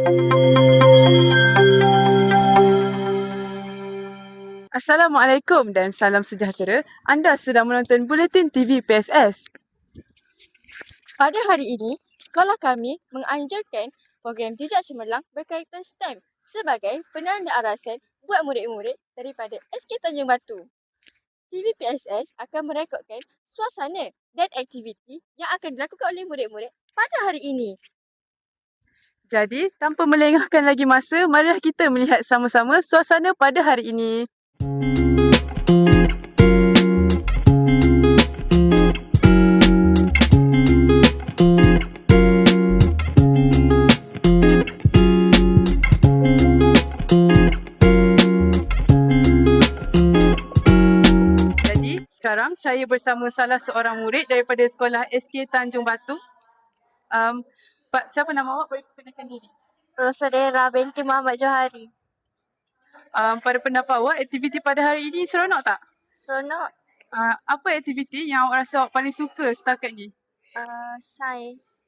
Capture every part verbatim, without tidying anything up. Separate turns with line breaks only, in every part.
Assalamualaikum dan salam sejahtera. Anda sedang menonton Buletin T V P S S.
Pada hari ini, sekolah kami menganjurkan program Jejak Cemerlang berkaitan STEM sebagai penanda arasan buat murid-murid daripada S K Tanjung Batu. T V P S S akan merekodkan suasana dan aktiviti yang akan dilakukan oleh murid-murid pada hari ini.
Jadi, tanpa melengahkan lagi masa, marilah kita melihat sama-sama suasana pada hari ini. Jadi, sekarang saya bersama salah seorang murid daripada sekolah S K Tanjung Batu. Um, Pak, siapa nama awak? Boleh perkenalkan diri.
Rosadera binti Muhammad Johari.
Um, pada pendapat awak, aktiviti pada hari ini seronok tak?
Seronok.
Uh, apa aktiviti yang awak rasa awak paling suka setakat ni?
Uh, sains.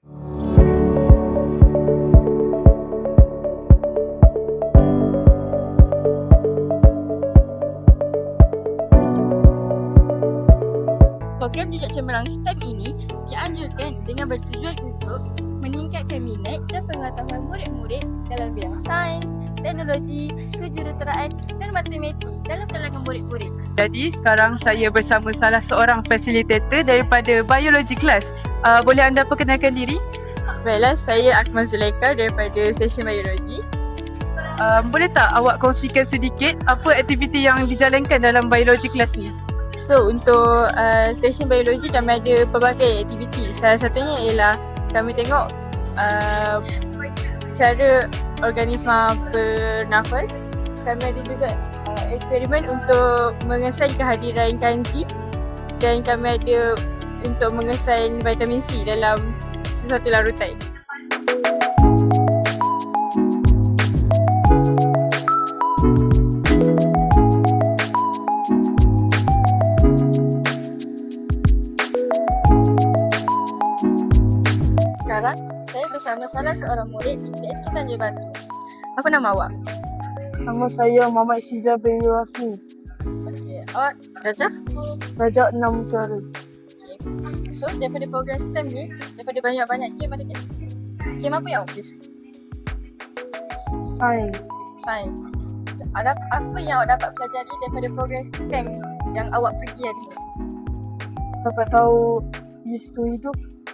Program Jejak Cemerlang STEM ini dianjurkan dengan bertujuan untuk meningkatkan minat dan pengetahuan murid-murid dalam bidang sains, teknologi, kejuruteraan dan matematik dalam kalangan murid-murid.
Jadi sekarang saya bersama salah seorang fasilitator daripada biologi kelas. Uh, boleh anda perkenalkan diri?
Baiklah, saya Akmal Zulaika daripada Stesen Biologi.
Uh, boleh tak awak kongsikan sedikit apa aktiviti yang dijalankan dalam biologi kelas ni?
So, untuk uh, Stesen Biologi kami ada pelbagai aktiviti. Salah satunya ialah kami tengok uh, cara organisma bernafas. Kami ada juga uh, eksperimen untuk mengesan kehadiran kanji dan kami ada untuk mengesan vitamin C dalam sesuatu larutan. Sekarang, saya bersama salah seorang murid di S K Tanjung Batu. Apa nama awak?
Nama saya Muhammad Syizah bin Rasmi.
Okey, awak darjah?
Darjah enam utara.
Okey. So, daripada program STEM ni, daripada banyak-banyak game ada guys. Game apa yang awak boleh suka?
Sains.
Sains. So, ada apa yang awak dapat pelajari daripada program STEM yang awak pergi hari ni?
Dapat tahu isu hidup.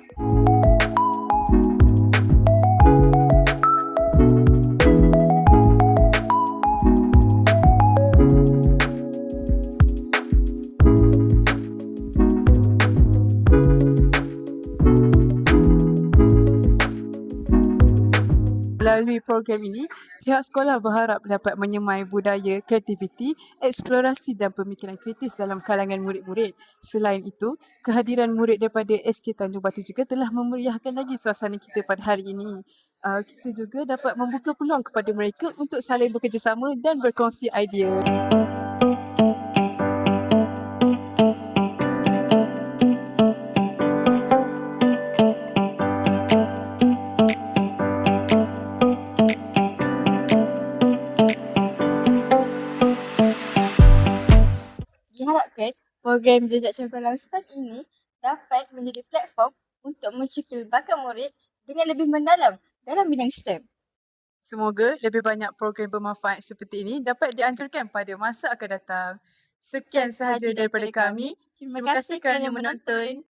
Melalui program ini, pihak sekolah berharap dapat menyemai budaya, kreativiti, eksplorasi dan pemikiran kritis dalam kalangan murid-murid. Selain itu, kehadiran murid daripada S K Tanjung Batu juga telah memeriahkan lagi suasana kita pada hari ini. Uh, kita juga dapat membuka peluang kepada mereka untuk saling bekerjasama dan berkongsi idea.
Diharapkan program Jejak Cemerlang STEM ini dapat menjadi platform untuk mencekil bakat murid dengan lebih mendalam dalam bidang STEM.
Semoga lebih banyak program bermanfaat seperti ini dapat dianjurkan pada masa akan datang. Sekian sahaja daripada kami.
Terima kasih kerana menonton.